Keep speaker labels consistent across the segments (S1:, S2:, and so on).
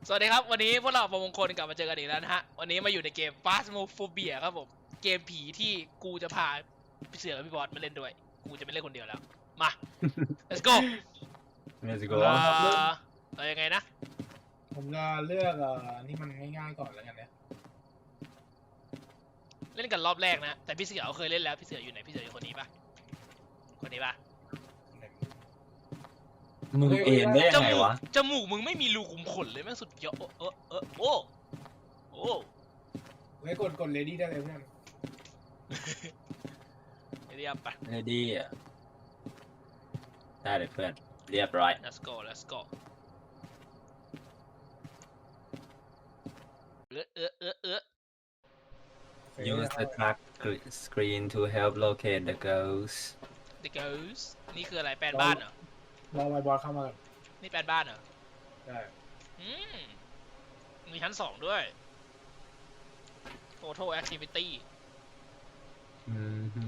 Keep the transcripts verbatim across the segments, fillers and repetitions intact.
S1: สวัสดีครับวันนี้พวกเราประมงคลกลับมาเจอกันอีกแล้วนะฮะวันนี้มาอยู่ในเกม Phasmophobia ครับผมเกมผีที่กูจะพาพี่เสือกับพี่บอสมาเล่นด้วยกูจะไม่เล่นคนเดียวแล้วมา let's go
S2: Let's
S1: เอ
S2: go
S1: อเอายังไงนะ
S3: ผมจะเลือกเอ่อนี่มันง่ายๆก่อนแล้วกันเนี่ย
S1: เล่นกันรอบแรกนะแต่พี่เสือเขาเคยเล่นแล้วพี่เสืออยู่ไหนพี่เสืออยู่คนนี้ปะคนนี้ปะ
S2: มึงเอ็นได้ยังไงวะ
S1: จมูกมึงไม่มีรูขุมขนเลยแม่งสุดยอดเออเออโอ้โอ้
S3: ไว้กดกดเลดี้ได้เลยเพื่อน
S1: เรียบไป
S2: เรดี้อ่ะได้เลยเพื่อนเรียบร้อย
S1: let's go let's go เออเออเออเออ
S2: Use the track screen to help locate the ghost
S1: The Ghost นี่คืออะไรแปลนบ้านเหรอ
S3: รอไวบอลเข้ามาก่อน
S1: นี่แปลนบ้านเหรอ
S3: ได้
S1: อืมมีชั้นสองด้วย Total Activity
S2: อืมฮึ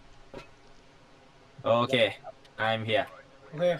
S2: โอเค I'm here
S3: โอเค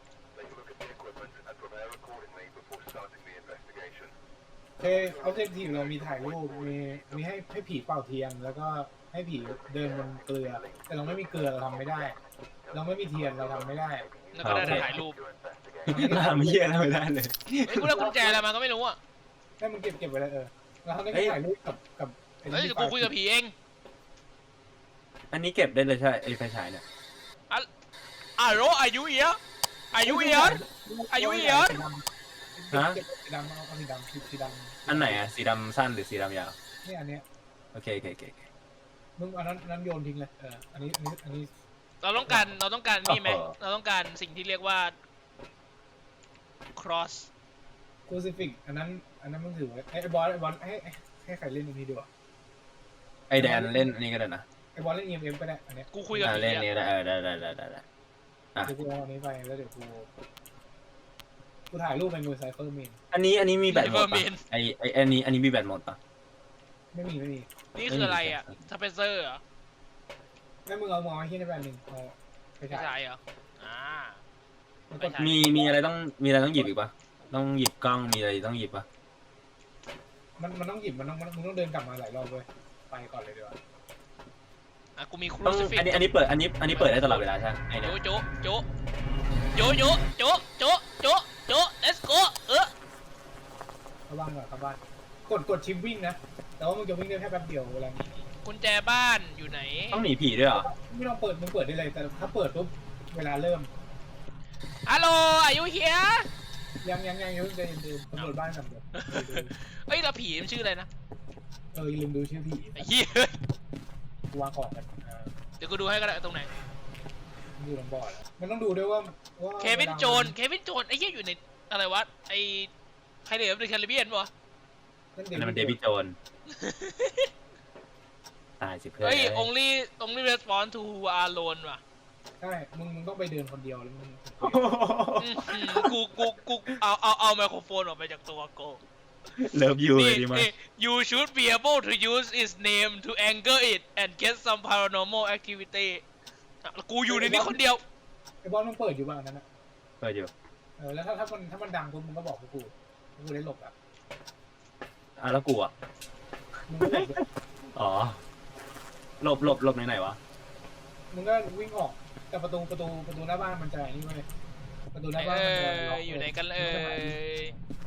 S3: โอเคเอาเทคทีเรามีถ่ายรูปมีมีให้ให้ผีเป่าเทียนแล้วก็ให้ผีเดินบนเกลือ แต่เราไม่มีเกลือเราทำไม่ได้ เราไม่มีเทียนเราทำไม่ได้
S1: แล้วก็ได้แต่ถ่ายรูป
S2: ทำเหี้ยอะไรไม่ได้เลย
S1: เฮ้ยกูได้กุญแจอะไรมาก็ไม่รู้อ่ะ
S3: ให้มันเก็บเก็บไว้เลยเออแล้วเขาได้
S2: เฮ้ย
S3: ถ่ายรูปกับกับไอ้
S1: เฮ้ย
S3: ที่
S1: เดี๋ยวกูคุยกับผีเอง
S2: อันนี้เก็บได้เลยใช่ไอ้ไฟฉายเนี่ย
S1: อ่ะโรอายุเอียอายุเอียอายุเอีย
S2: ฮะ
S3: เก็บสีดำเอาสีดำสีสีดำ
S2: อันไหนอ่ะสีดำสั้นหรือสีดำยาว
S3: เนี่ยอันเนี้ย
S2: โอเคโอเคโอเคโอเค
S3: มึงอันนั้นอันนั้นโยนทิ้งเลยเอออันนี้อันนี้อันนี้
S1: เราต้องการเราต้องการนี่ไหมเราต้องการสิ่งที่เรียกว่า cross
S3: คูซิฟิกอันนั้นอันนั้นมึงถือไว้ไอ้บอลไอ้บอลให้ให้ให้ใครเล่นอันนี้ดีวะ
S2: ไอแดนเล่นอันนี้ก็ได้นะ
S3: ไอ้บอลเล่น อี เอ็ม เอ็ม ก็ได้อันเนี้ย
S1: กูคุยกับ
S2: อ่ะ
S1: ผี
S2: เล่นนี้
S1: อะ
S2: ได้เออได้ได้ได้ได้ได้ อ่ะ
S3: เดี๋ยวกูเอาอันนี้ไปแล้วเดี๋ยวกูกูถ่ายรูปเป็นมือไซเฟอร์เมน
S2: อันนี้อันนี้มีแบตหมด
S1: เวอ
S2: ปะ
S1: ร์เมน
S2: ไอไออันนี้อันนี้มีแบตหมดปะ
S3: ไม่มีไม่มี
S1: นี่คืออะไรอ่ะสเปเซอร์เหรอ
S3: แม่มึงเอามองไอ้ที่ในแบรนด์หนึ่งเอาไป
S1: ไม่
S3: ถ่าย
S1: ใช่เหรออ่า
S3: แล้วก็
S1: ไม่ใช่
S2: มีมีอะไรต้องมีอะไรต้องหยิบอีกปะต้องหยิบกล้องมีอะไรต้องหยิบปะ
S3: มันมันต้องหยิบมันต้องมันมึงต้องเดินกลับมาหลายรอบเว้ยไปก่อนเลยดีกว่า
S1: อ่ะกูมีครู
S2: ต้อง
S1: ซิฟิก
S2: อันนี้อันนี้เปิดอันนี้อันนี้เปิดได้ตลอดเวลาใช่ไหมไอ
S1: โจ
S2: เนี่ย
S1: โจโจโจโจโจโจโจ let's go เออ
S3: เข้าบ้านก่อนเข้าบ้านกดกดชิปวิ่งนะแต่ว่ามึงจะวิ่งได้แค่แป๊บเดียวเวลานี้
S1: กุญแจบ้านอยู่ไหน
S2: ต้องหนีผีด้วยเหรอ
S3: ไม่ต้องเปิดมึงเปิดได้เลยแต่ถ้าเปิดปุ๊บเวลาเริ่ม
S1: ฮัลโหลอายุเฮีย
S3: ยังยังยังอยังเดินเดินตำรวจบ้านก่อนเดี๋ยว
S1: เอ้ยเราผีมันชื่ออะไรนะ
S3: เอออย่าลืมดูชื่อผี
S1: ไอ้เหี้ย
S3: กูวางของกันเออ
S1: เดี๋ยวกูดูให้ก็ได้ตรงไหน
S3: ดูลำบอร์ดแล้วมันต้องดูด้วยว่าว่า
S1: เควินโจนเควินโจนไอ้เหี้ยอยู่ในอะไรวะไอ้ใครเดือดในแคริบเบียนปะ
S3: นั่น
S2: อันนั้นมันเดวิดโจนตายสิเพื่อน
S1: เฮ้ย only only respond to who are alone ว่ะ
S3: ใช่มึงมึงต้องไปเดินคนเดียวแล้วมึง
S1: อื้อหือกูกูกูเอาเอาเอาไมโครโฟนออกไปจากตัวกู
S2: เลิฟยูเลย
S1: นี่
S2: ดีมาก
S1: นี่ you should be able to use its name to anger it and get some paranormal activity อ่ะแล้วกูอยู่ในนี้คนเดียว
S3: ไอ้บอลมึงเปิดอยู่บ้างนั้นนะ
S2: เปิดอยู่
S3: เออแล้วถ้าถ้ามันถ้ามันดังปุ๊บมึงก็บอกพวกกูพวกกูได้หลบอ่ะ
S2: อ่ะแล้วกูอ่ะ
S3: มึงก็หลบด้วย
S2: อ๋อหลบหลบหลบไหนไหนวะ
S3: มึงก็วิ่งออกแต่ประตูประตูประตูหน้าบ้านมันจะไอ้นี่เว้ยประตูห
S1: ไหน
S3: น้าบ้าน
S1: เอ
S3: มันจะล็
S1: ออยู่ไหนกันเอ
S3: มึงก็หาที่
S1: ย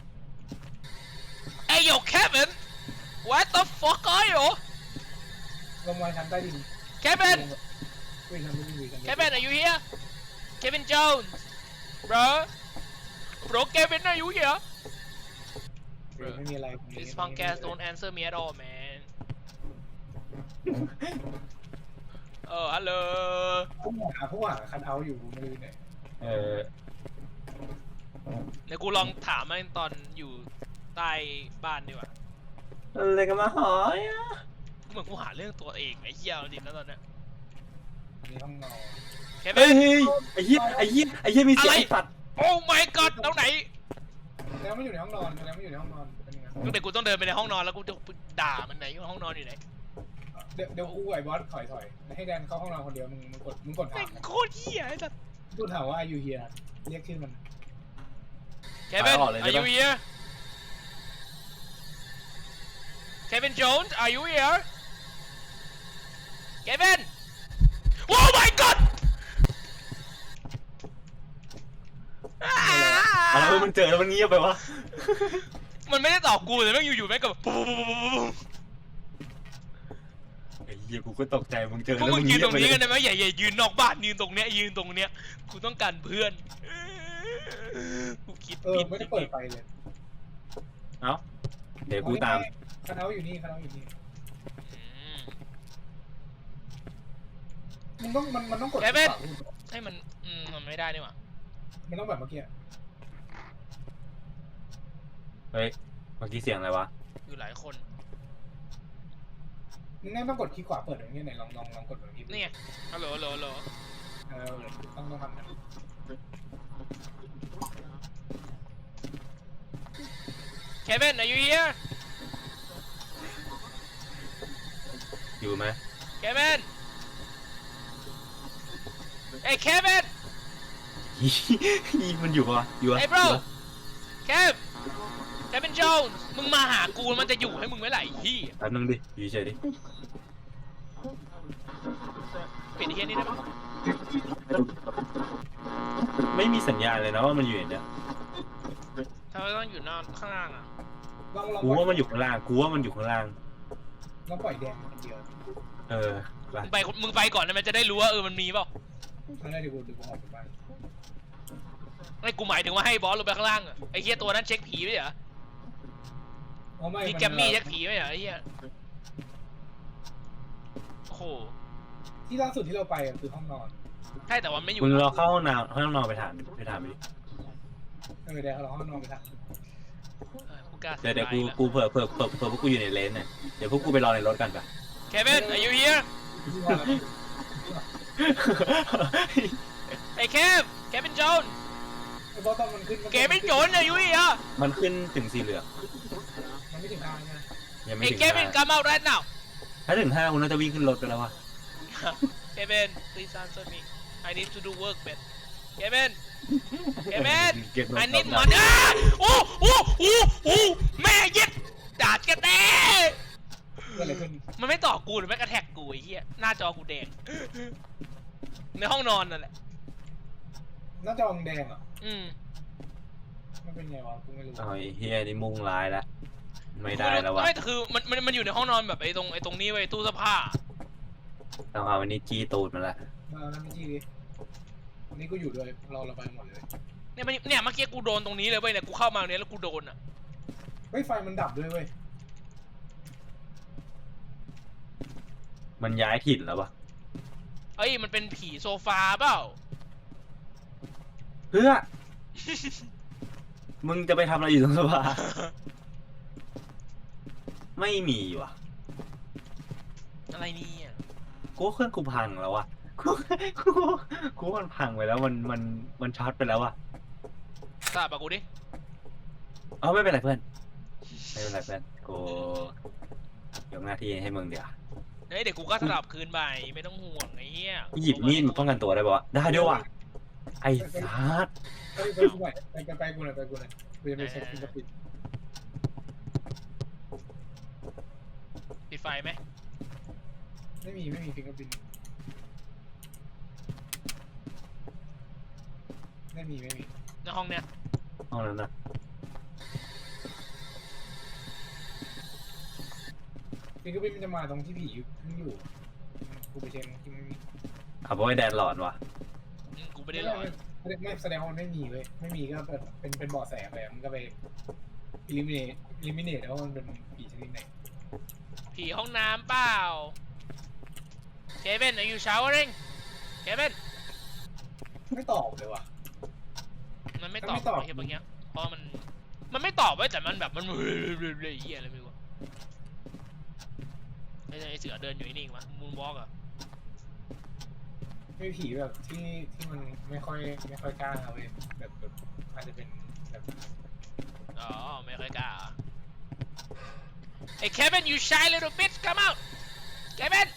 S1: ไอ้โย Kevin what the fuck are you
S3: ลงมาชั้นใต้ดิน
S1: Kevin
S3: วิ่งชั้นไม่ดีกัน
S1: Kevin are you here Kevin Jones bro bro Kevin are you here
S3: ไม่มีอะไร
S1: This punk ass don't answer me at all man เออฮัลโหล
S3: ผู้หาผู้หาคันเอาอยู่ไม่รู้ไหน
S2: เออ
S1: เดี๋ยวกูลองถามมันตอนอยู่ใต้บ้านดีกว่า
S2: อะไรกันมาหอยอ่ะ
S1: เหมือนกูหาเรื่องตัวเองไอ้เหี้ยจริงนะตอนเนี้ย
S3: มีห้องนอน
S1: เค
S2: เฮ้
S1: วิ
S2: ย
S1: น
S2: ไอ้เหี้ยไอ้เหี้ยไอ้เหี้ยมีเสียง
S1: อะไร
S2: ไอ้สัตว์
S1: โอ้ my god ตรงไหน
S3: แล้วไม่อยู่ในห้องนอนแล้วไม่อยู่ในห้องนอนเป็นยังไง
S1: ก็เดี๋ยวกูต้องเดินไปในห้องนอนแล้วกูจะด่ามันไหนอยู่ห้องนอนอยู่ไหน
S3: เดี๋ยวเดี๋ยวกูไอ้บอสถอยถอยให้แดนเข้าห้องนอนคนเดียวมึงมึงกดมึงกดถา
S1: แม่
S3: ม
S1: งโคตรเหี้ยไอ้สัส
S3: กูถามว่าอายุเฮียเรียกชื่อมัน
S1: เควิน are you here Kevin Jones are you here Kevin Oh my god
S2: อะไรวะมันเจอแล้วมันเงียบไปวะ
S1: มันไม่ได้ตอบกูแต่แม่งอยู่ๆแม่งก็แบบปุ๊บปุ๊บปุ๊บปุ๊บ
S2: ไอ้เหี้ยกูก็ตกใจมึงเจอ
S1: พวก
S2: แล้ว
S1: มึ
S2: มึ
S1: ง
S2: ง
S1: ยื
S2: เงี
S1: น
S2: ย
S1: ต
S2: บ
S1: รง
S2: ไปเล
S1: นี้
S2: ย
S1: กันได้ไหมอย่าอย่ายืนนอกบ้านยืนตรงเนี้ยยืนตรงเนี้ยกูต้องการเพื่อนกูคิด
S3: เออ
S1: ผิด
S3: ไม่ได้เปิดไฟเลย
S2: เอ้าเดี๋ยวกูตาม
S3: คณะอยู่นี่คณะอยู่นี่
S1: อืม
S3: มันต้องมันมันต้องกด
S1: แกเป็น
S3: ขวาพูด
S1: ให้มันอืมมันไม่ได้นี่หว่า
S3: มันต้องแบบเมื่อกี้
S2: เฮ้ยเมื่อกี้เสียงอะไรวะ
S1: อยู่หลายคน
S3: มึงนั่นต้องกดที่ขวาเปิดอย่างเงี้ยไหนลองลองลองกดแบบนี้
S1: นี่ไงฮัลโหลฮัลโหลฮัลโหล
S3: เออต้องต้องทำนะ
S1: Kevin are you here
S2: อยู่ไหม
S1: Kevin Hey Kevin
S2: อีมันอยู่ปะวะอยู่ปะ
S1: Hey bro Kev Kevin Jones มึงมาหากูมันจะอยู่ให้มึงไหมล่ะไอ้ที่
S2: แป๊บนึงดิอยู่เฉยดิ
S1: ปิดไอ้เฮียนี่ได้ปะ
S2: ไม่มีสัญญาณเลยนะว่ามันอยู่อย่างเนี้ย
S1: ทำไมต้องอยู่นอกข้างล่างอ่ะ
S3: ลองลอง
S2: กูว่ามันอยู่ข้างล่างกูว่ามันอยู่ข้างล่าง
S3: ลองปล่อยแดงคนเดียว
S2: เออไป
S1: มึงไปมึงไปก่อนนะมันจะได้รู้ว่าเออมันมีเปล่า
S3: ไม่ได้เดี๋ยวกูเดี๋ยวกูออกไปบ้าน
S1: ไอ้กูหมายถึงว่าให้บอสลงไปข้างล่างอะไอ้เฮียตัวนั้นเช็คผีไม่เหรอ
S3: อ๋อไม่
S1: มี
S3: น
S1: แกมมี่เช็คผีไม่เหรอไอ้เฮียโอ้โห
S3: ที่ล่าสุดที่เราไปอะคือห้องนอน
S1: ใช่แต่ว่าไม่อยู่
S2: มึงรอเข้าห้องน้ำห้องนอนไปถามไปถามดิ
S3: เออเดี๋ยวเราห้องนอนไปท
S1: เออกูกล้า
S2: เดี๋ยวเดี๋ยวกู
S1: สบาละ
S2: กูเผื่อเผื่อเผื่อเผื่อพวกกูอยู่ในเลนเนี่ยเดี๋ยวพวกกูไปรอในรถกันปะ
S1: Kevin are you here ไอ้เคฟ Kevin Jones
S3: ไอ้บอสตอนมันขึ้น
S1: Kevin Jones are you here
S2: มันขึ้นถึงสีเหลือง
S3: มันไม่ถึงทางนะ
S2: ยังไม่
S1: Hey
S2: ถึง
S1: Kevin
S2: ห้า
S1: come out right now
S2: ถ้าถึงห้ากูน่าจะวิ่งขึ้นรถไปแล้ววะ
S1: Kevin please answer me I need to do work man Kevin Kevin
S2: เก็บรถ
S1: I need money อ้าโอ้โอ้โอ้โอ้แม่ยึดดาดกันแน่
S3: เกิดอะไรขึ้น
S1: มันไม่ต่อกูหรือไม่กระแทกกูไอ้เหี้ยหน้าจอกูแดง ในห้องนอนนั่นแหละ
S3: น่าจะอองแดงเหรอ
S1: อืม
S3: มันเป็นไงวะกูไม่รู้
S2: เอาไอ้เฮียนี่มุ่งร้ายแล้วไม่ได้แล้ววะ
S1: ไม่แต่คือมันมันมันอยู่ในห้องนอนแบบไอ้ตรงไอ้ตรงนี้ไว้ยตู้เสื้อผ้า
S2: ต้องเอาอันนี้จี้ตูดมันละ
S3: มาแล้วไม่จี้ดิวันนี้กูอยู่ด้วยเราเราไปหมดเลย
S1: เนี่ยมันเนี่ยเมื่อกี้กูโดนตรงนี้เลยเว้ยเนี่ยกูเข้ามาตรงนี้แล้วกูโดนอ่ะ
S3: เฮ้ยไฟมันดับด้วยเว้ย
S2: มันย้ายถิ่นแล้ววะ
S1: เอ้ยมันเป็นผีโซฟาเปล่า
S2: เพื่อ มึงจะไปทำอะไรอยู่ตรงสภา ไม่มีว่ะ
S1: อะไรเนี่ย
S2: กูว่าเครื่องกูพังแล้ววะ กูกูกูว่ามันพังไปแล้วมันมันมันช็อตไปแล้ววะ
S1: ทราบปะกูดิ
S2: เอาไม่เป็นไรเพื่อนไม่เป็นไรเพื่อนกูยกหน้าที่ให้มึงเดี๋ยว
S1: เฮ้ยเดี๋ยวกูก็สลับคืนไปไม่ต้องห่วงไอ้เหี้ย
S2: หยิบมีดมาป้องกันตัวได้ปะวะได้ด้วยว่ะไอ้สัส
S3: ไปไปกูหน่อยไปไปไปกูหน่อยไปกูหน่อยกูจะไปเช็คฟิงเกอร์พรินท์
S1: ปิดไฟไหม
S3: ไม่มีไม่มีฟิงเกอร์พรินท์ไม่มีไม่มี
S1: ในห้องเนี้ย
S2: ห้องนั้นนะ
S3: ฟิงเกอร์พรินท์มันจะมาตรงที่ผีอยู่อยู่กูไปเช็คที่ไม่มี
S2: เอาเพราะไอ้แดนหลอนว่ะ
S1: อืมกูไม่ได้หลอน
S3: ไม่ไม่แสดงว่ามันไม่มีเว้ยไม่มีก็แบบเป็นเป็นเบาะแสไปมันก็ไปอิลิมิเนตอิลิมิเนตแล้วามันเป็นผีชนิดไหน
S1: ผีห้องน้ำเปล่า Kevin are you showering Kevin
S3: ไม่ตอบเลยว่ะ
S1: มันไม่ตอบ
S3: ไม่ตอบ
S1: ไอ้เหี้ยเมื่อกี้เพราะมันมันไม่ตอบไว้ยแต่มันแบบมันเรื่อยๆเหี้ยอะไรไม่รู้อะไอ้ไอ้เสือเดินอยู่นิ่งๆวะมูนวอล์กอะ
S3: ไม่ผีแบบที่ที่มันไม่ค่อยไม่ค่อยกล้าเว้ยแบบแบบอาจจะเป็นแบบ
S1: อ๋อไม่ค่อยกล้าอะ Hey Kevin you shy little bitch come out Kevin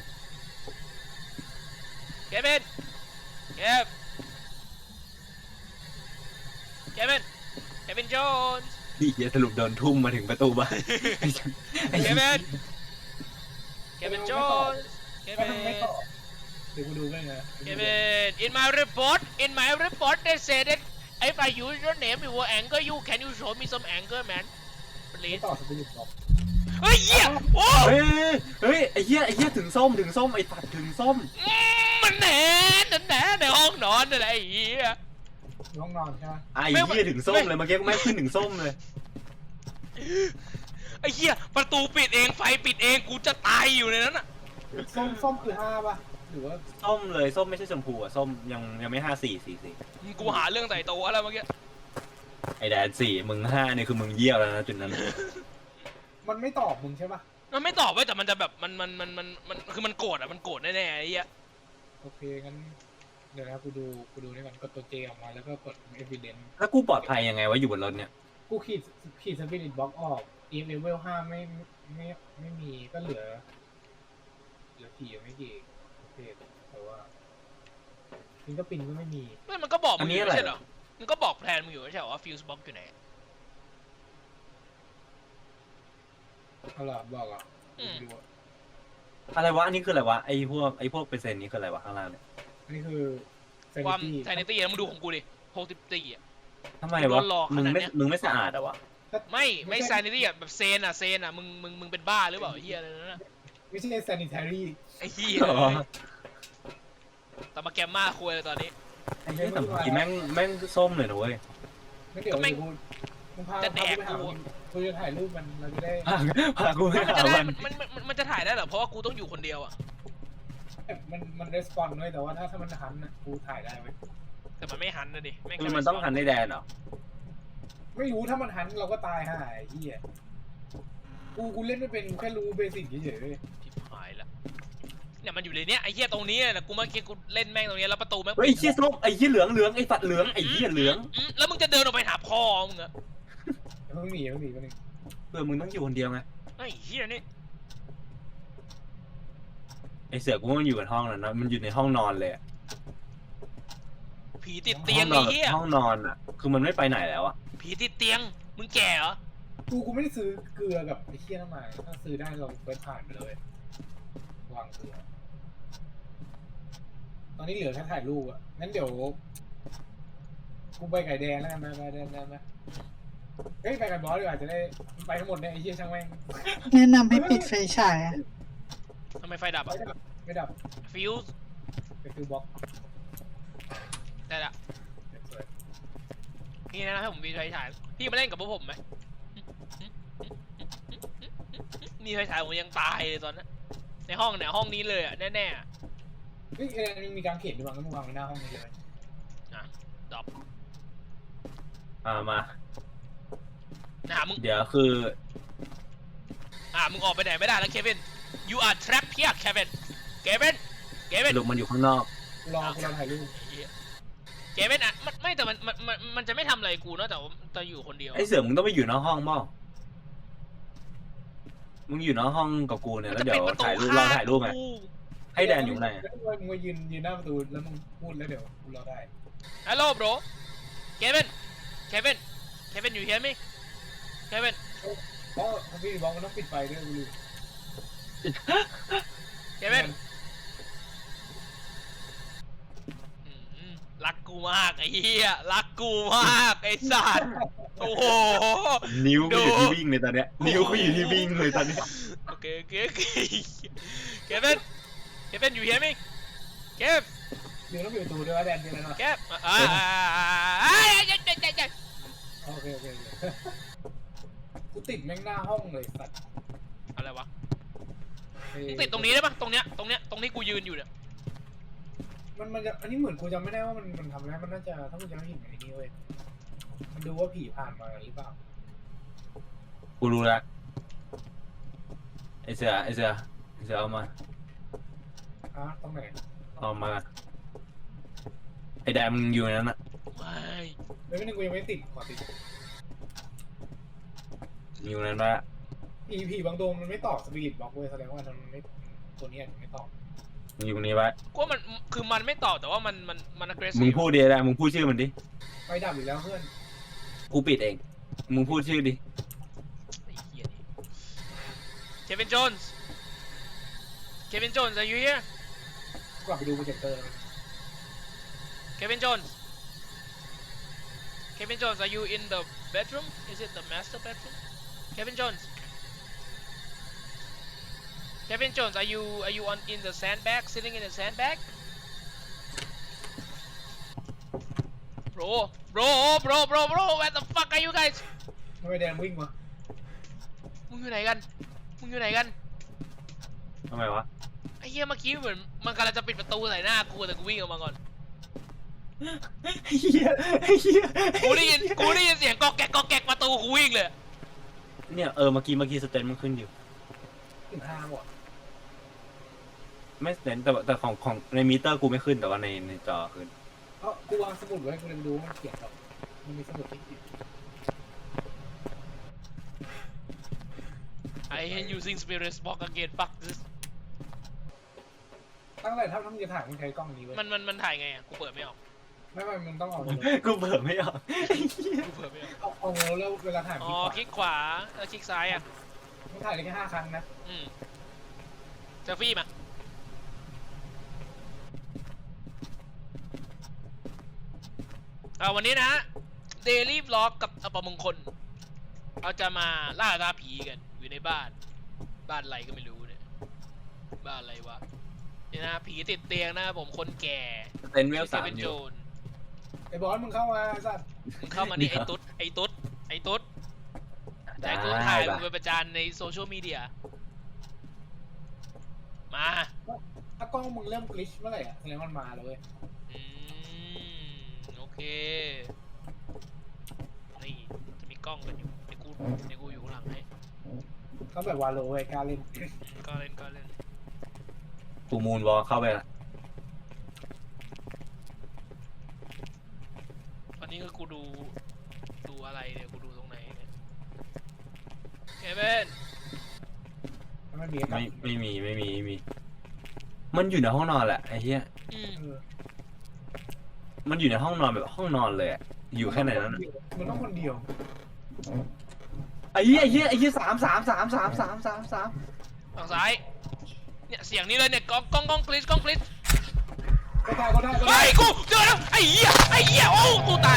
S1: Kevin Kev Kevin Kevin Jones
S2: เหี้ยสรุปโดนทุ่มมาถึงประตูบ้าน
S1: เควินเควินโจนเค
S3: ก็
S1: วิ
S3: ทำไม่
S1: น
S3: ตอบเดี๋ยวกูดูกันนะ
S1: Kevin, in my report, in my report, they said that if I use your name, it will anger you. Can you show me some anger, man?
S3: ไม่
S1: Please.
S3: ตอบสปิริตบอก
S1: เฮ้ยเหี้ยโอ้
S2: เฮ้ยเฮ้ยไอ้เหี้ยไอ้เหี้ยถึงส้มถึงส้มไอ้ตัดถึงส้ม
S1: อืมมันแหนนั่นแหนในห้องนอนนั่นแหละไอ้เหี้ย
S3: ห้องนอนใช่ไหม
S2: ไอ้เหี้ยถึงส้มเลยเมื่อกี้กูไม่ขึ้นถึงส้มเลย
S1: ไอ้เหี้ยประตูปิดเองไฟปิดเองกูจะตายอยู่ในนั้นอ่ะ
S3: ส้มส้มคือห้าป่ะหรือว่า
S2: ส้มเลยส้มไม่ใช่ชมพูอ่ะส้มยังยังไม่ห้าสี่สี่สี่
S1: กูหาเรื่องใส่ตัวแล้วเมื่อกี้
S2: ไอ้แดนสี่มึงห้านี่คือมึงเยี่ยวแล้วนะจุดนั้น
S3: มันไม่ตอบมึงใช่ป่ะ
S1: มันไม่ตอบไว้แต่มันจะแบบมันมันมันมันมันคือมันโกรธอ่ะมันโกรธแน่ๆไอ้เหี้ย
S3: โอเคงั้นเดี๋ยวนะกูดูกูดูนี่ก่อนกดตัวเจออกมาแล้วก็กด evidence
S2: แล้วกูปลอดภัยยังไงวะอยู่บนรถเนี่ย
S3: กูขีดขีดสปิริตบล็อกออก e m level ห้าไม่ไม่ไม่มีก็เหลือเหลือสี่ไม่กี่โอเคแต่ว่าฟิงก็ปินก็ไม่มี
S1: ไม่มันก็บอกมึงอยู่ไม่ใช่เหรอมันก็บอกแพลนมึงอยู่ไม่ใช่เหรอว่าฟิวส์บ็อกอยู่ไหน
S3: เอาล่ะบอกอ่ะ
S1: อืม
S3: ดูอ่ะ
S2: อะไรวะอันนี้คืออะไรวะไอ้พวกไอ้พวกเปอร์เซ็นต์นี้คืออะไรวะข้างล่างเนี่ย
S3: อันนี้คือ
S1: ความ
S3: sanity
S1: ไทนิตี้นะมึงดูของกูดิหกสิบสี่อ่ะ
S2: ทำไมวะ
S1: รอขนาด
S2: มึงไม่
S1: เนี้ย
S2: มึงไม่สะอาดอะวะ
S1: ไม่ไม่ไซนิตี้อ่ะแบบเซนอ่ะเซนอ่ะมึงมึงมึงเป็นบ้าหรือเปล่าไอ้เหี้ยอะไรนั่นน่ะ
S3: ไม่ใช่ sanitary
S1: ไอ้เหี้ย
S2: อ๋อ
S1: แต่มาแกมมาคุยเลยตอนนี้
S2: ไอ้เหี้ยแต่เมื่อกี้แม่งแม่งส้มเลยนะเว้ย
S3: งั้นเดี๋ยว
S1: ก็ไม่
S3: กูมึงพา
S1: จะแดก
S3: พา
S1: กู
S3: กูไปหากูจะถ่ายรูปมันเราจะได้
S2: พาพากูไป
S1: มัน
S2: หา
S1: จะได้
S2: มัน
S1: มันมันมันมันจะถ่ายได้เหรอเพราะว่ากูต้องอยู่คนเดียวอ่ะ
S3: มันมันรีสปอนด้วยแต่ว่าถ้าถ้ามันหันน่ะกูถ่ายได้เว้ย
S1: แต่มันไม่หันนะดิแม่ง
S2: คือ
S1: แค่
S2: มันต้องหันในแดนเหรอ
S3: ไม่รู้ถ้ามันหันเราก็ตายห่าไอ้เหี้ยกูกูเล่นไม่เป็นกูแค่รู้เบสิกเฉยๆเว้ย
S1: ชิบหายละเนี่ยมันอยู่ในเนี้ยไอ้เหี้ยตรงนี้แหละกูเมื่อกี้กูเล่นแม่งตรงเนี้ยแล้วประตูแม่ง
S2: เฮ้ยไอ้เหี้ยส้มไอ้เหี้ยเหลืองเหลืองไอ้สัตว์เหลืองไอ้เหี้ยเหลือง
S1: มแล้วมึงจะเดินออกไปหาพ่อมึงเหรอ
S3: เพิ่งหนีเพิ่งหนีไปหนึ่ง
S2: เพื่อมึงต้องอยู่คนเดียวไง
S1: ไอ้เหี้ยนี่
S2: ไอ้เสือกูว่ามันอยู่ในห้องนั้นนะมันอยู่ในห้องนอนเลยอะ
S1: ผีติดเตียง
S2: ห้
S1: ไอ้
S2: อน
S1: เหี้ย
S2: ห้องนอนอ่ะ คือมันไม่ไปไหนแล้วอ่ะ
S1: ผีติดเตียงมึงแก่เหรอ
S3: กูกูไม่ได้ซื้อเกลือกับไอ้เหี้ยน้ำมันถ้าซื้อได้เราเปิดผ่านไปเลยวางเกลือตอนนี้เหลือแค่ถ่ายรูปอ่ะงั้นเดี๋ยวกูไปไก่แดงแล้วกันไปไปแดงแดงนะเฮ้ยไปกับบอสดีกว่าจะได้ไปทั้งหมดเนี่ยไอ้เหี้ยช่างแม่ง
S4: แนะนำให้ปิดไฟฉายอะ
S1: ทำไมไฟดับ
S3: ไม่
S1: อ่ะ
S3: ดับไม่ดับ
S1: ฟิวส์
S3: ไปฟิวบล็อก
S1: ได้ละ
S3: สวย
S1: พี่แนะนำให้ผมมีไฟฉายพี่มาเล่นกับพวกผมไหมมีไฟฉายผมยังตายเลยตอนนั้นในห้องเนี่ยห้องนี้เลยอ่ะแน่ๆอะ
S3: เฮ้ยเอ็นมีการเขียนด้วยมั้งก็มึงวางไว้หน้าห้องนี้เลย
S1: ดรอป
S2: อ่ามา
S1: นะมึง
S2: เดี๋ยวคือ
S1: อ่ามึงออกไปไหนไม่ได้แล้วเควิน you are trapped here เควินเควินเควิน
S2: สรุปมันอยู่ข้างนอก
S3: กูรอกูรอถ่ายรูป
S1: เควินอ่ะมันไม่แต่มันมันมันมันจะไม่ทำอะไรกูนอกจากว่าจะอยู่คนเดียว
S2: ไอ้เสือมึงต้องไปอยู่นอกห้องบ้างมึงอยู่นอกห้องกับกูเนี่ย
S1: มัน
S2: แล้ว
S1: จะ
S2: เดี๋ย
S1: ปิ
S2: ว
S1: ดประตู
S2: ถ่ายรูปล
S1: ฆ่า
S2: องถ่ายรูปไง
S1: กู
S2: ให้แดนอยู่ไหน
S3: แล้วมึงมายืนยืนหน้าประตูแล้วมึงพูดแล้วเดี๋ยวกูรอได้
S1: ฮัลโหล bro เควินเควินเควินอยู่ hear me เควิน
S3: เพราะพี่บล็อกมันต้องปิดไฟด้วยกูลืม
S1: เควินอืมรักกูมากไอ้เหี้ยรักกูมากไอ้สัตว์โอ้โห
S2: นิ้ว
S1: ดู
S2: กูอยู่ที่วิ่งเลยตอนเนี้ยนิ้วกูอยู่ที่วิ่งเลยตอนเนี้ย
S1: โอเคโอเคโอเคเควินเควินอยู่ hear me เคฟ
S3: เดี๋ยวต้องปิดประตูด้วยว่าแดนเป็นอะไรนะ
S1: เคฟอ่าอ่าเจ๊เจ๊เจ๊เจ๊
S3: โอเคโอเคโอเคกูติดแม่งหน้าห้องเลยสัตว์
S1: อะไรวะ
S3: เอ้ย
S1: มึงติดตรงนี้ได้ปะตรงเนี้ยตรงเนี้ยตรงที่กูยืนอยู่เนี่ย
S3: มันมันจะอันนี้เหมือนกูจำไม่ได้ว่ามันมันทำได้มันน่าจะถ้ามึงจำไม่ผิดไอ้นี่เว้ยมันดูว่าผีผ่านมาหรือเปล่า
S2: กูรู้ละไอเสือไอเสือไอเสือเอามา
S3: อ่ะตรงไหน
S2: เอามาไอแดนมึงอยู่ในนั้นอ่ะ
S1: ไม่
S3: เฮ้ยไม่นึงกูยังไม่ติดขอติด
S2: มึงอยู่ในนั้นปะ
S3: ผีผีบางตัวมันไม่ตอบสปิริตบล็อกเว้ยแสดงว่ามันไม่ตัวนี้อาจจะไม่ตอบ
S2: มึงอยู่ตรงนี้ปะ
S1: กูว่ามันคือมันไม่ตอบแต่ว่ามันมันมัน aggressive
S2: มึงพูดดีได้มึงพูดชื่อมันดิ
S3: ไฟดับอีกแล้วเพื่อน
S2: กูปิดเอง มมึงพูดชื่อดิ
S1: ไอ้เหี้ยนี่ Kevin Jones Kevin Jones are you here
S3: กลับไปดูโปรเจคเตอร์
S1: Kevin Jones Kevin Jones are you in the bedroom is it the master bedroom Kevin Jones Kevin Jones are you are you on in the sandbag sitting in the sandbag bro bro bro bro bro where the fuck are you guys
S3: ทำไมแดงวิ่งมา
S1: มึงอยู่ไหนกันมึงอยู่ไหนกัน
S2: ทำไมวะ
S1: ไอ้เหี้ยเมื่อกี้เหมือนมันกำลังจะปิดประตูใส่หน้ากูแต่กูวิ่งออกมาก่อน
S2: ไอ้เหี้ยไอ้เหี้ย
S1: กูได้ยินกูได้ยินเสียงกอกแกกกอกแกกประตูกูวิ่งเลย
S2: เนี่ยเออเมื่อกี้เมื่อกี้สเตนมันขึ้นอยู่
S3: ถึงห้าหมด
S2: ไม่สเตนแต่ว่าแต่ของของในมิเตอร์กูไม่ขึ้นแต่ว่าในในจอขึ้น
S3: เอ้ากูวางสมุดไว้กูเลยไปดูว่ามันเขียนแบบมันมีสมุดที่เขียน
S1: I hate using spirit box again fuck this
S3: ตั้งแต่ถ้าต้องจะถ่ายมึงใช้กล้องนี้เว้ย
S1: มันมันมันถ่ายไงอ่ะกูเปิดไม่ออก
S3: ไม่ไม่มึงต้องเอา
S2: กูเปิดไม่ออก
S1: กูเปิดไม่ออก
S3: เอาเอาเงาแล้วเวลาถ่าย
S1: อ๋
S3: มี
S1: อ
S3: ขวา
S1: คลิกขวาแล้วคลิกซ้ายอ่ะ
S3: มึงถ่ายได้แค่ห้าครั้งนะ
S1: อืมเซลฟี่มาเอาวันนี้นะฮะ Daily Vlog กับอปมงคลเราจะมาล่าท้าผีกันอยู่ในบ้าน บ้านอะไรก็ไม่รู้เนี่ย บ้านอะไรวะนี่นะผีติดเตียงนะครับผมคนแก่
S2: สเตนเวลสาม
S1: เป็น
S2: อ
S1: โจ
S2: ยู่
S1: ร
S3: ไอ้บอสมึงเข้ามาสัตว์
S1: มึงเข้ามานี่ไอ้ตุ๊ดไอ้ตุ๊ดไอ้ตุ๊ดแต่กูถ่ายมึงไปประจานในโซเชียลมีเดียมา
S3: ถ้ากล้องมึงเริ่มกลิชเมื่อไหร่อ่ะแสดงว่ามันมาแล้วเว้ย
S1: อืมโอเคนี่จะมีกล้องกันอยู่ในกูในกูอยู่ข้างหลังให้
S3: เขาแบบวาโลเว้ยกล้าเล่น
S1: ก็เล่นก็เล่น
S2: กูมูนวอลเข้าไปละ
S1: วันนี้ก็กูดูดูอะไรเนี่ยกูดูตรงไหนเนี่ยเคเบิน
S3: มันไม่มี
S2: ไม่ไม่มีไม่มีไม่มี มันอยู่ในห้องนอนแหละไอ้เหี้ย
S1: อืม
S3: เออ
S2: มันอยู่ในห้องนอนแบบห้องนอนเลยอะอยู่แค่ไหนนั้นอะ
S3: มันต้องคนเดียว
S2: ไอ้เหี้ยไอ้เหี้ยไอ้เหี้ยสามสามสามสามสามสามสาม
S1: ฝั่งซ้ายเนี่ยเสียงนี้เลยเนี่ยกล้องกล้องกล้องกลิชกล้องกลิช
S3: ก็ได้ก็ได้ก็ได้
S1: ไอ้ยกูเจอแล้วไอ้เหี้ยไอ้เหี้ยโอ้กูตาย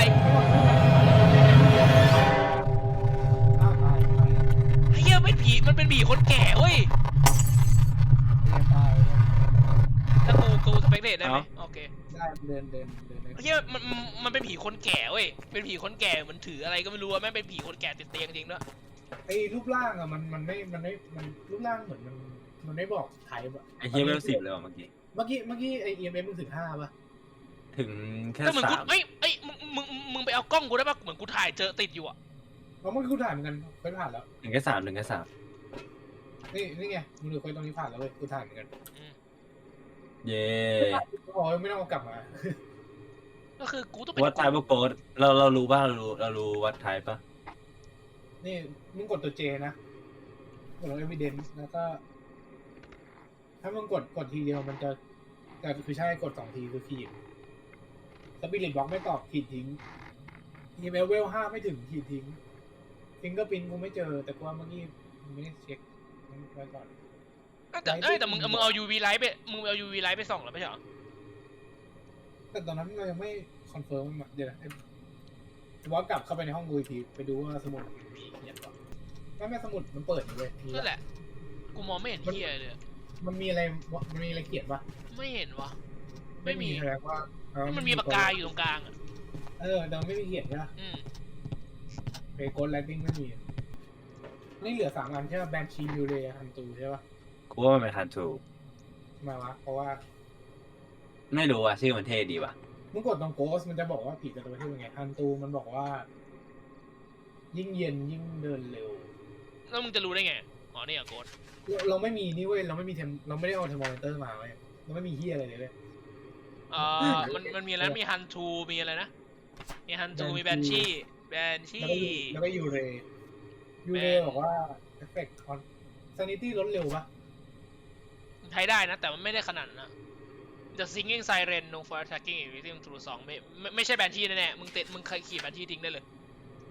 S3: อ้าวตายตาย
S1: ไอ้เหี้ยเป็นผีมันเป็นผีคนแก่เว้ย
S3: ตาย
S1: ถ้ากูกูสเปกเดตได้ไหมโอเค
S3: ได้เดินเดินเดิน
S1: ไอ้เหี้ยมันมันมันเป็นผีคนแก่เว้ยเป็นผีคนแก่เหมือนถืออะไรก็ไม่รู้อะแม่งเป็นผีคนแก่ติดเตียงจริงด้วย
S3: ไอ้รูปร่างอะมันมันไม่มันไม่มันรูปร่างเหมือนมันมันไม่บอกไทป์อะ
S2: ไอ้เหี้ยเวลสิบเลยว่ะเมื่อกี้
S3: เมื่อกี้เมื่อกี้ไอ้ อี เอ็ม เอฟ มึงถึงห้าป่ะ
S2: ถึงแค่
S1: แต่เหมือนกู
S2: สาม
S1: เอ้ยเอ้ยมึงมึงมึงไปเอากล้องกูได้ปะเหมือนกูถ่ายเจอติดอยู่อะ
S3: เพราะเมื่อกี้กูถ่ายเหมือนกันเคยผ่านแล้ว
S2: ถึงแค่สามถึงแค่สาม
S3: นี่นี่ไงมึงดูเคยตรงนี้ผ่านแล้วเว้ยกูถ่ายเหมือนกัน
S1: อืม
S2: เย้
S3: โอ้ยไม่ต้องเอากลับมา
S1: ก็คือกูต้องเป็น
S2: วัดไทป์โกดเราเรารู้ป่ะเรารู้เรารู้วัดไทป์ป่ะ
S3: นี่มึงกดตัวเจนะกดลง evidence แล้วก็ ถ้ามึงกดกดทีเดียวมันจะแต่คือใช่กดสองทีคือขีดสปิริตบล็อกไม่ตอบขีดทิ้งอีเมลเวลห้าไม่ถึงขีดทิ้งฟิงเกอร์พินกูไม่เจอ แต่กูว่าเมื่อกี้มึงไม่ได้เช็คไว้ก่อน
S1: แต่เอ้ยแต่มึงมึงเอา ยู วี ไลท์ไปมึงเอา ยู วี ไลท์ไปส่องแล้วไม่ใช่เหรอ
S3: แต่ตอนนั้นเรายังไม่คอนเฟิร์มเดี๋ยวนะบอสกลับเข้าไปในห้องกูอีกทีไปดูว่าสมุดมีเขียนป่ะไม่ไม่สมุดมันเปิดอยู่เลยมี
S1: นั่นแหละกูมองไม่เห็นเฮียเลยอะ
S3: มันมีอะไรมันมีอะไรเขียนป่ะ
S1: ไม่เห็นวะไม่มี
S3: แสดงว่าเออ
S1: มันมีปากกาอยู่ตรงกลางอะ
S3: เออแต่มันไม่มีเขียนใช่ปะ
S1: อืม
S3: เปโกนไลติ้งไม่มีนี่เหลือสามอันใช่ป่ะแบนชียูเรฮันตูใช่ป่ะ
S2: กูว่ามันเป็นฮันทู
S3: ทำไมวะเพราะว่า
S2: ไม่รู้อ่ะชื่อมันเท่ดีว่ะ
S3: มึงกดตรงโกสมันจะบอกว่าผีจะตัวที่เป็นไงฮันตูมันบอกว่า ยิ่งเย็นยิ่งเดินเร็ว
S1: แล้วมึงจะรู้ได้ไงอ๋อนี่อะโกด
S3: เราเราไม่มีนี่เว้ยเราไม่มีเทมเราไม่ได้เอาเทอร์โมมิเตอร์มาเว้ยเราไม่มีเฮียอะไรเลยเว้ย
S1: เอ่อมันมันมีอะไรมีฮันทูมีอะไรนะมีฮันทูมีแบนชี่แบนชี่
S3: แล้วก็ยูแล้วก็ยูเรยูเร
S1: แบน
S3: บอกว่าเอฟเฟกต์ออนซานิตี้ลดเร็วปะ
S1: ใช้ได้นะ แต่มันไม่ได้ขนาดนั้นนะ The Singing Siren No for Attacking Victim Through สองไม่ไม่ไม่ใช่แบนชี่แน่ๆมึงเตะมึงเคยขี่แบนชี่ทิ้งได้เลย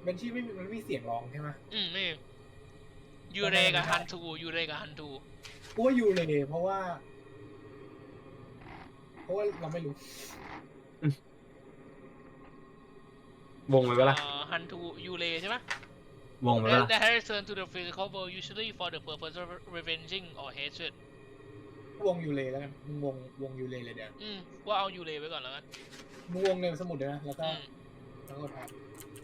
S3: เบนชี่ไม่มีมันไม่มีเสียงร้องใช่ไหม
S1: อืมนี่ยูเรกับฮันทูยูเรกับฮันทู
S3: กูว่ายูเลยเพราะว่า เพราะว่าเราไม่รู้
S2: วงไปปะล่ะ
S1: ฮันทูยูเรใช่ไหม
S2: วงไปปะล่ะ
S1: That return to the physical world usually for the purpose of revenging or hatred
S3: วงยูเลยแล้วกันมึงวงวงยูเลยเลยเดี๋ยว
S1: อืมว่าเอายูเรไว้ก่อนแล้วกัน
S3: มึงวงในสมุดเลยนะแล้วก็
S1: อืม
S3: แล้วก็ทำ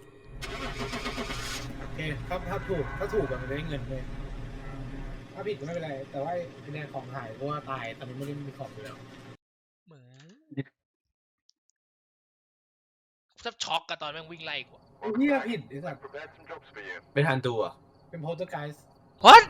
S3: โอเคถ้าถ้าถูกถ้าถูกมันจะได้เงินเลยถ้าผิดก็ไม่เป็นไร แต่ว่าไอ้เนี่ยของหายเพราะว่าตายตอนนี้ไม่ได้มีของอยู่แล้ว
S1: เหมือนแทบช็อกกับตอนแม่งวิ่งไล่กู
S3: ไอ้เหี้ยผิดไอ้สัตว์
S2: เป็นฮันตูเหรอ่ะ
S3: เป็นโพสต์ไกด์
S1: What